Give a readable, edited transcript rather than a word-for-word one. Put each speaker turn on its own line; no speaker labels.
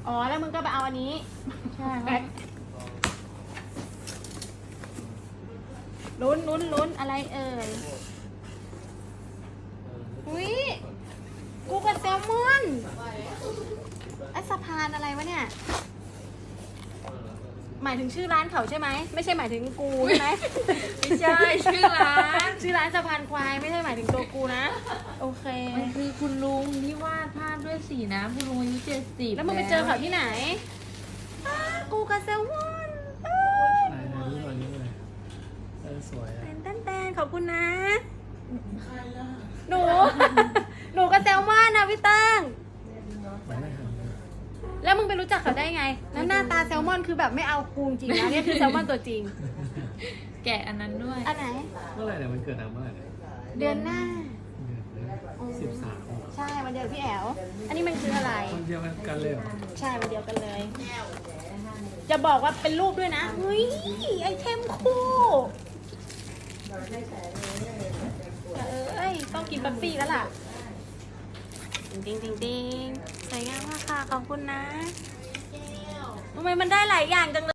อ๋อแล้วมึงก็ไปเอาอันนี้ใช่ลุ้นอะไรเอ่ยอุ้ยกูกับแซลมอนไอสะพานอะไรวะเนี่ยหมายถึงชื่อร้านเขาใช่ไหมไม่ใช่หมายถึงกูใช่ไหม
ไม่ใช่ชื่อร้าน
ชื่อร้านสะพานควายไม่ใช่หมายถึงตัวกูนะโอเค
มันคือคุณลุงที่วาดภาพด้วยสีน้ำคุณลุงอายุ70
แล้วมึงไปเจอเขาที่ไหนกูกับแซลมอน
ไหนดูหน่อยนี่เลยสวยอ่ะ
แตนขอบคุณนะหนูกับแซลมอนนะพี่เติ้ง
ไม่ได้หันเลย
แล้วมึงไปรู้จักเขาได้ไงแล้วหน้าตาแซลมอนคือแบบไม่เอากูจริงนะเนี่ยคือแซลมอนตัวจริง
แกะอันนั้นด้วย
อันไหน
เมื่อไหร่เนี่ยมันเกิดเมื่อไหร่เนี่ย
เดือนหน้า
13
ใช่วันเดียวกับพี่แอลอันนี้มันคืออะไร
คนเดียวกันเลยเหรอ
ใช่วันเดียวกันเลย จะบอกว่าเป็นรูปด้วยนะเฮ้ยไอเทมคู่เอ้ยต้องกินบัฟฟี่แล้วล่ะจริงสวยงามมากค่ะขอบคุณนะทำไมมันได้หลายอย่างจังเลย